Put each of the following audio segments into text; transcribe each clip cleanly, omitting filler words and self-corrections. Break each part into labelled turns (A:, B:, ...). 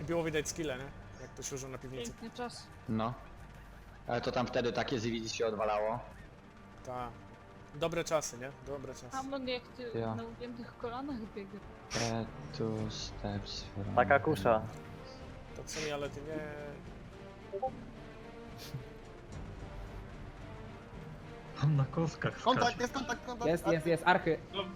A: było widać skille, nie? Jak to się użył na piwnicy.
B: Piękny czas.
C: No. Ale to tam wtedy takie zwidy się odwalało.
A: Ta. Dobre czasy, nie? Dobre czasy.
B: Hamon jak ty
C: Ja.
B: na ugiętych kolanach biega.
C: Two steps from...
D: Taka kusza.
A: To co mi, ale ty nie...
E: Tam na kostkach
F: Kontakt, jest kontakt, kontakt.
G: Jest, archy.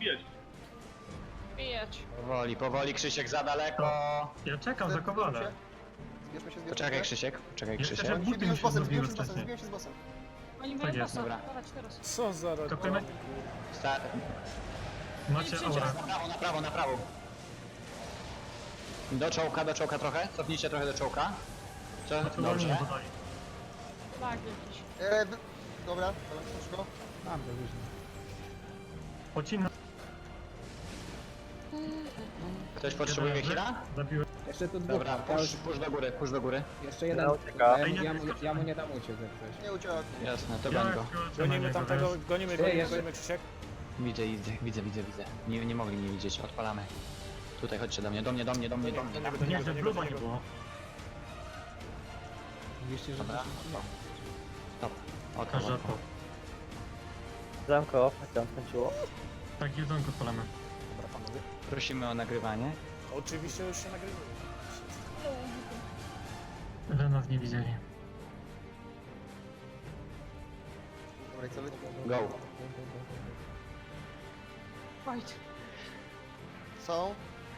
B: Bijać.
C: Powoli, Krzysiek, za daleko.
E: Ja czekam za kowalem.
F: Zbierzmy się,
C: Poczekaj, Krzysiek, poczekaj,
E: Jeszcze
C: Krzysiek.
E: żeby-
F: Zbijmy się z bossem,
E: Zrobiły
F: zbijmy się z bossem,
E: wcześniej.
F: zbijmy się z bossem.
B: Oni
E: Tak
B: mają
E: jest,
B: bossa.
C: dobra.
B: Dawać teraz.
A: Co za rok?
E: Kopymy?
C: Sta...
E: Macie aurę.
C: Na prawo. Do czołka trochę. Cofnijcie trochę do czołka. Co?
E: Naturalnie
C: Dobrze.
E: podali.
B: Tak, jakiś.
F: Dobra, szybko.
G: Mam to już.
E: Pocina.
C: Ktoś potrzebuje heala?
E: Zabiłem.
G: Jeszcze tu dwóch.
C: Dobra, push do góry.
G: Jeszcze jeden.
D: ucieka.
G: Ja mu nie dam uciec jak coś.
F: Nie uciekł.
C: Jasne, to
E: Ja
C: goń go.
A: Gonimy tamtego, gonimy,
G: jeszcze-
A: Krzysiek.
C: Widzę. Nie mogli mnie widzieć, odpalamy. Tutaj chodźcie do mnie.
E: Nie, że bluba nie było.
G: Mówiliście, że...
C: Dobra. Stop.
E: A rzadko.
D: Zamko, tam skończyło.
E: Tak, jedzonko spalamy.
A: Dobra, panowie.
C: Prosimy o nagrywanie.
A: Oczywiście już się nagrywamy.
E: Że nas nie widzieli.
F: Dobra, i co wy?
C: Go.
B: Fight.
F: Są.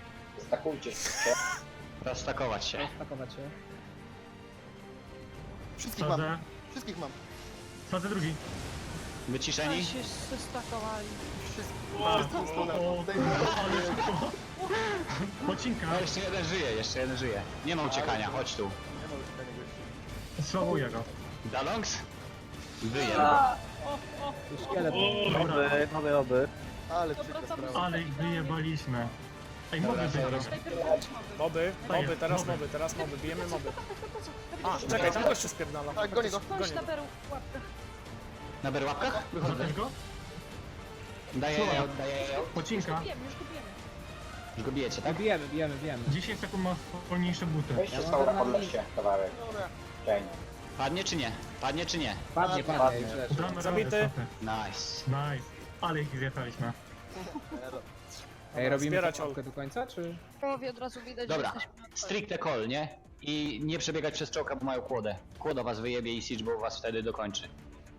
C: Rozstakować się.
G: Stakować się.
F: Wszystkich mam,
E: Sadzę.
F: wszystkich mam.
E: Sadzę drugi.
C: Wyciszeni.
B: Oni się zestakowali.
F: Wszystkich.
E: O,
F: Wszystkich
E: ale szybko. Pocinka.
C: No jeszcze jeden żyje. Nie ma uciekania, chodź tu.
F: Nie ma już tego gościa.
E: Słabuję go.
C: Dalongs? Wyje.
G: Tu szkielet.
D: Oby.
F: Ale
B: Dobra,
F: brzydka
B: tam-
F: sprawa.
E: Ale ich wyjebaliśmy. Ej,
C: Dobra,
E: mogę
C: to
E: wyjść.
B: Najpierw chodź moby.
A: Moby,
E: Moby.
A: teraz moby, bijemy moby.
B: A,
A: Czekaj, tam gościu spierdala.
F: Tak, gonię go.
B: Chodź na beru w łapkach.
C: Na berłapkach? Wychodzę.
E: Zabić go?
C: Daję.
E: Pocinka.
B: Już go bijemy.
C: Już go bijecie, tak?
G: Bijemy.
E: 10 sekund ma wolniejsze buty.
G: Ja mam adrenalin.
F: Dobra.
C: Padnie czy nie? Padnie.
G: Padnie, już leży.
E: Damy
A: Zabity.
E: radę, stopy.
C: Nice.
E: Nice. Ale ich zjechaliśmy.
G: Ej, robimy
A: Zbierać
G: czapkę do końca, czy?
B: Połowie od razu widać,
C: Dobra,
B: że jesteśmy na
C: stricte call, nie? I nie przebiegać przez czołka, bo mają kłodę. Kłoda was wyjebie i Siege was wtedy dokończy.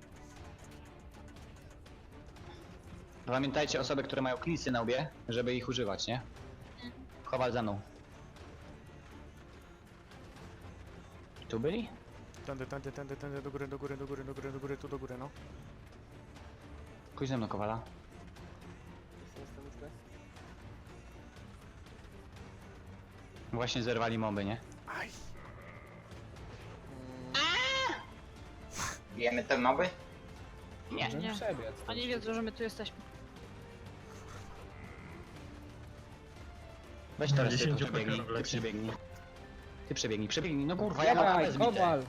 C: Pamiętajcie osoby, które mają klisy na łbie, żeby ich używać, nie? Chowal za mną. Tu byli?
A: Tędy, do góry, tu do góry, no.
C: Pójdź ze mną, Kowala. Właśnie zerwali moby, nie?
A: Aj.
H: Bijemy te moby?
C: Nie.
G: Możemy
B: Nie.
G: przebiec.
B: Oni wiedzą, że my tu jesteśmy.
C: Weź teraz ty
E: 10
C: przebiegnij,
E: pekerów leci.
C: Przebiegnij, no kurwa, ja mam
G: Dawaj,
C: bez bite.
G: kowal.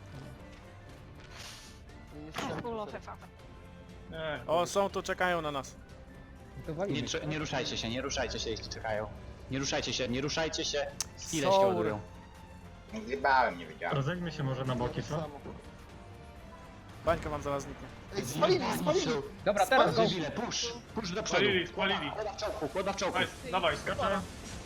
B: Full of FF.
A: O, są tu, czekają na nas.
G: To walimy.
C: Nie ruszajcie się, jeśli czekają. Nie ruszajcie się, skille się
A: Sour.
C: ładują.
H: Nie zjebałem, nie wiedziałem.
E: Rozejdźmy się może na boki, co?
A: Bańka wam zaraz zniknie.
F: Ej, spalili!
G: Dobra, teraz go.
C: Debile, push do przodu.
I: Spalili.
C: Kłoda w czołku.
I: Dawaj,
E: Skaczę.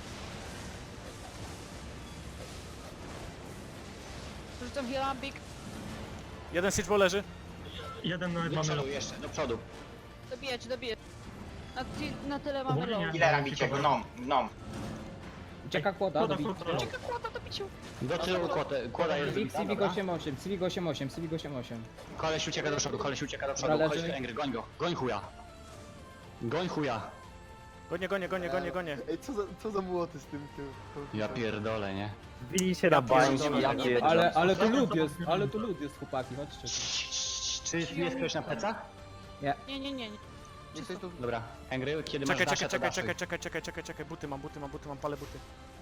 B: Rzucam hilambik.
A: Jeden Siege leży.
E: Jeden nawet
C: Do
E: mamy.
C: przodu jeszcze, do przodu.
B: Dobijać. Na tyle mamy
E: Ogólnie
B: low.
E: nie.
H: Ile bicie go? Nom.
G: Ucieka kłoda.
E: Kłoda,
G: dobi-
E: kłoda.
B: Czeka kłota do biciu.
C: Do tyłu kłoda jest
G: Civic,
C: wybita,
G: Civic
C: dobra.
G: 88, Civic 88.
C: Koleś ucieka do przodu,
G: Dobra,
C: Chodź
G: leży.
C: tu, Engry, goń go. Goń chuja.
A: Gonię.
F: Ej, co za młoty z tym?
C: Ja pierdolę, nie?
D: Bili się na bańce,
A: pierdolę,
D: ja
A: nie
D: pierdolę.
G: Ale tu lód jest, chłopaki, chodźcie.
C: Czy jest ktoś na plecach?
B: Nie.
F: Jesteś tu?
C: Dobra, Engry, kiedy masz
A: Czekaj,
C: dasze, to daszuj.
A: czekaj, buty mam, palę buty.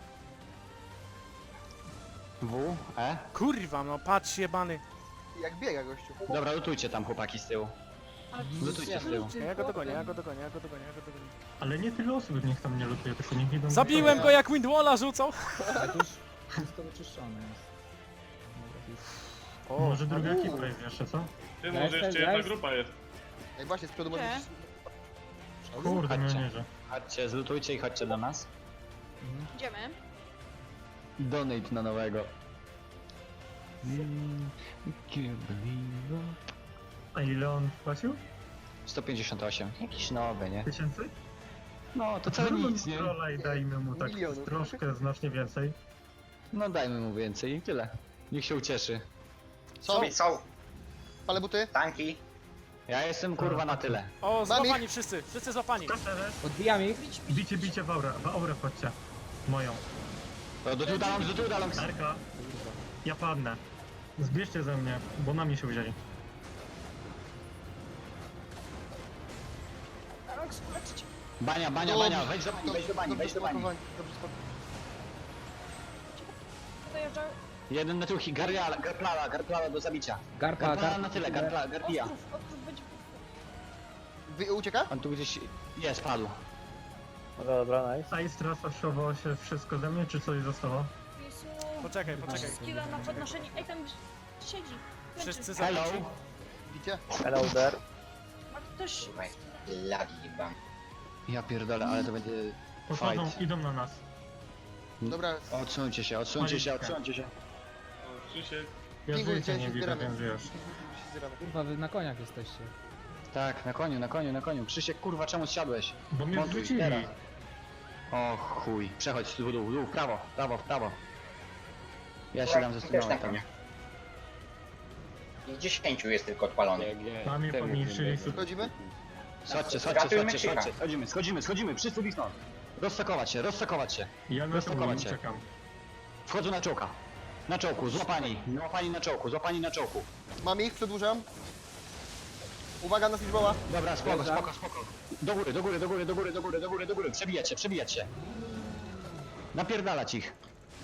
C: W, E.
A: Kurwa, no patrz jebany.
F: Jak biega gościu.
C: Dobra, lutujcie tam chłopaki z tyłu. Lutujcie z tyłu.
A: Ja go dogonię.
E: Ale nie tyle osób niech tam nie lutuje, tylko niech idą...
A: Zabiłem go jak Windwalla rzucał.
G: Ale tuż. Wszystko wyczyszczone jest.
A: O,
E: Może druga ekipa jest jeszcze, co?
I: Ty,
G: Ja
I: może
G: jestem-
I: jeszcze
G: ja
I: jedna
G: jest-
I: grupa jest.
F: Ej, właśnie, z przodu
B: Gdzie?
F: możesz...
E: Kurde, no
C: Chodźcie.
E: nie, że.
C: Chodźcie, zlutujcie i chodźcie do nas.
B: Idziemy.
C: Donate na nowego.
E: A ile on płacił?
C: 158. Jakiś nowy, nie?
E: Tysięcy?
C: No, to całe nic, nie?
E: Trolla i dajmy mu tak
F: Milionów.
E: troszkę, znacznie więcej.
C: No dajmy mu więcej i tyle. Niech się ucieszy.
F: Są,
H: Są
F: palę buty.
H: tanki.
C: Ja jestem kurwa na tyle.
A: o,
F: Mam
A: złapani wszyscy, wszyscy złapani.
E: To teraz
G: Odbijam ich.
E: bicie w aurę wchodźcie. Moją.
C: To do tyłu daląc, do tyłu daląc.
E: Erka. Ja padnę. Zbierzcie ze mnie, bo na mnie się wzięli.
C: Bania, bania, bania, wejdź do bani, wejdź do bani, wejdź do bani.
F: Dobrze spokojnie.
B: Dojeżdża.
C: Jeden na tył, garplala do zabicia.
G: Garpa,
C: Garplala na tyle, garpija.
B: Ostrów będzie...
F: Ucieka?
C: On tu gdzieś jest, padł.
D: Dobra, dobra, nice.
E: A jest teraz oszowało się wszystko ze mnie, czy coś zostało?
B: Jezu.
A: Poczekaj, poczekaj.
B: Skilla na podnoszenie. Ej, tam siedzi.
A: Wszyscy
C: Hello.
A: zabici.
F: Widzicie?
D: Hello there.
B: Ma ktoś...
H: Kurwa, lagi chyba.
C: Ja pierdolę, ale to będzie
E: Podchodzą,
C: fight.
E: idą na nas.
F: Dobra,
C: Odsuńcie się, odsuńcie się, odsuńcie się.
I: O, Krzysiek.
E: Ja
F: Dziękuję,
E: życia nie
F: dzięki,
E: widzę,
F: zbieramy.
E: więc wiesz.
F: zbieramy.
G: Kurwa, wy na koniach jesteście.
C: Tak, na koniu. Krzysiek, kurwa, czemu zsiadłeś?
E: Bo mnie
C: Montuj,
E: wrzucili.
C: teraz. O chuj, przechodź w dół, w prawo, w prawo. Ja się dam ze
H: Też na
C: tam.
H: konia. I 10 jest tylko odpalonych.
E: Na mnie pomniejszyli super.
F: Wchodzimy?
C: Chodźcie,
H: Ratujmy Krzycha.
C: schodzimy, wszyscy wisną. Rozsakować się.
E: Ja na to
C: Rozpakować się.
E: czekam.
C: Wchodzą na czołka. Na czołku, złapani na czołku.
F: Mam ich, przedłużam. Uwaga na Fishboła.
C: Dobra, spoko. Do góry, przebijać się. Napierdalać ich.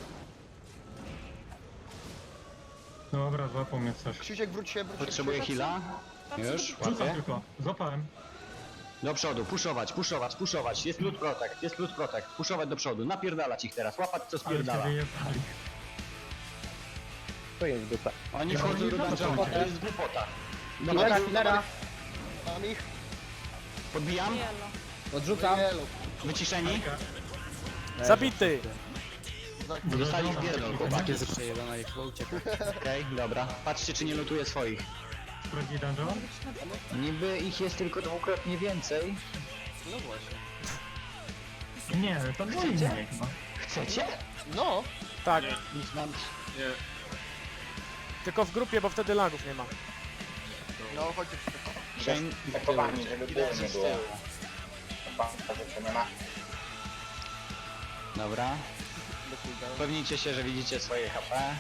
E: Dobra, złapał mnie coś.
F: Krzysiek, wróć się, wróć się.
C: Potrzebuję heala. Już,
E: Rzucam
C: łapię.
E: tylko. Złapałem.
C: Do przodu, puszować. Jest loot protect. Puszować do przodu, napierdalać ich teraz, łapać co
E: Ale się
C: spierdala.
E: wyjechali.
D: To jest dupa.
C: Oni
E: Ja
C: wchodzą
E: nie
C: do
E: wiem,
C: dungeonu,
E: co
C: to jest głupota.
G: Killera,
C: Dobra,
G: killera.
F: Mam ich.
C: podbijam,
B: Yellow.
G: Odrzucam.
F: Yellow.
C: wyciszeni.
A: Zabity.
C: Dostali w pierdol, chłopaki.
G: Jest przejebana i chyba ucieka.
C: Okej, dobra. Patrzcie, czy nie lutuje swoich.
E: Sprawdzi dungeon?
C: Niby ich jest tylko dwukrotnie więcej.
E: Nie, to było innie chyba.
C: Chcecie?
F: No.
A: Tak,
C: Nic mam.
I: Nie.
A: tylko w grupie, bo wtedy lagów nie ma.
F: No, chodźcie.
C: Shane,
H: Zakowani, żeby było
C: Idę
H: nie
C: z
H: było.
C: tyłu.
H: Chyba, że to nie ma.
C: Dobra. Upewnijcie się, że widzicie swoje HP.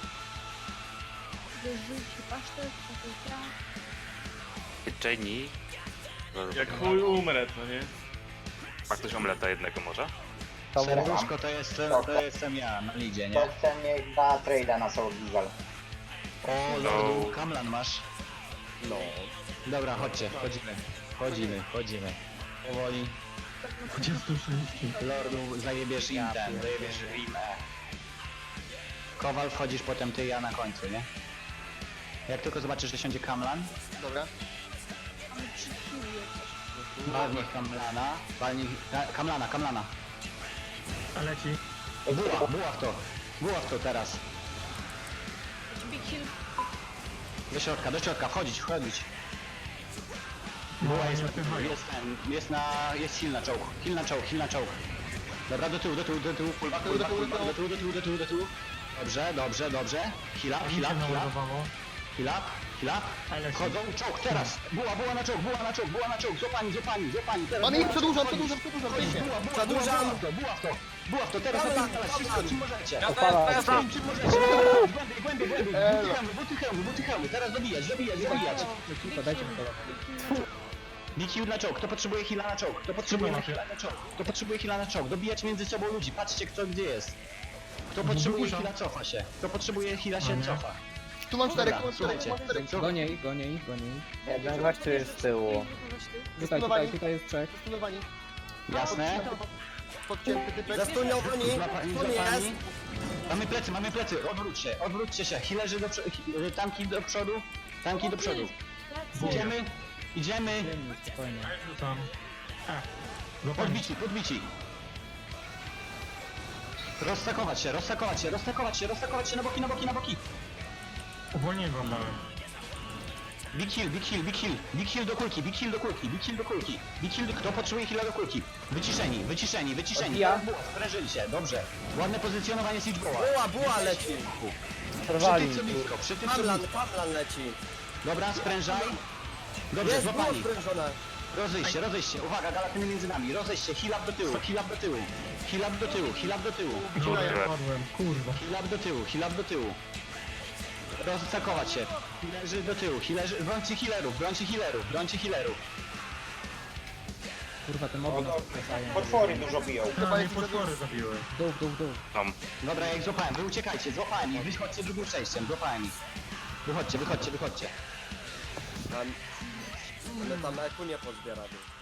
B: Wyrzuci pasztet, patyka.
J: Jenny.
I: Jak chuj umrę, no nie?
J: Ma ktoś omleta jednego może?
C: Serduszko to jestem ja na lidzie,
H: To
C: nie?
H: chce mnie chyba trade'a na Soul Gigal.
C: O, lordu, Kamlan masz. No. Dobra, chodźcie, chodzimy. Powoli.
E: 26.
C: Lordu, zajebiesz im ten, zajebiesz im Kowal, wchodzisz potem ty, ja na końcu, nie? Jak tylko zobaczysz, że siądzie Kamlan,
F: Dobra.
B: Mamy 3 killi coś.
C: walnij Kamlana, Kamlana.
E: A leci.
C: Buła w to teraz.
B: Big hill.
C: Do środka, wchodzić.
E: Była
C: Jest heal na czołg. Dobra, do tyłu, full back, do tyłu. Dobrze. Heal up.
E: Ale
C: Wchodzą, czołg teraz. Buła na czołg. Złapani. Teraz
F: Mam ich,
C: buła.
F: przedłużam. Weźcie.
C: Buła w to, teraz napierdalać, wszystko czym możecie. Czym możecie, głębiej, buty hełmy, teraz dobijać.
G: Kurwa, dajcie mi to.
C: Big heal na czołg, kto potrzebuje heala na czołg? Kto potrzebuje heala na czołg? Dobijać między sobą ludzi, patrzcie kto gdzie jest. Kto potrzebuje heala, cofa się. Kto potrzebuje heala, się cofa.
F: Tu mam 4,
C: Dobra, słuchajcie.
G: Gonię ich.
D: Jeden gościu jest z tyłu.
G: Tutaj jest trzech.
F: Stunowani.
C: Jasne?
F: Podcięty typek.
C: Złapani. Mamy plecy, odwróćcie się, healerzy do przodu, tanki do przodu. Idziemy,
G: Ziemi, spokojnie.
E: Ja rzucam. Złapani.
C: podbici. Roztakować się, na boki.
E: Uwolniłem wam dałem.
C: Big heal do kulki. Kto potrzebuje heala do kulki? Wyciszeni.
D: Odbija.
C: Sprężyli się, dobrze. Ładne pozycjonowanie Siege'boła.
F: Buła leci.
D: Trwali.
C: Przy tym co blisko.
F: Pawlan leci.
C: Dobra, sprężaj. Dobrze,
F: Jest, było
C: złapani.
F: sprężone.
C: Rozejść się. Uwaga, galatyny między nami. Rozejść się, heal up do tyłu.
E: Dobra, ja padłem, kurwa.
C: Heal up do tyłu. Roztakować się. Healerzy do tyłu. Brońcie healerów.
G: Kurwa, te moby nas wkręcają.
H: Potwory dużo biją.
E: A, mnie potwory zabiły.
G: W dół.
J: Tam.
C: Dobra, jak złapałem, wy uciekajcie, złapałem ich, wychodźcie drugim przejściem, złapałem ich. Wychodźcie.
F: Ale tam eku nie pozbiera.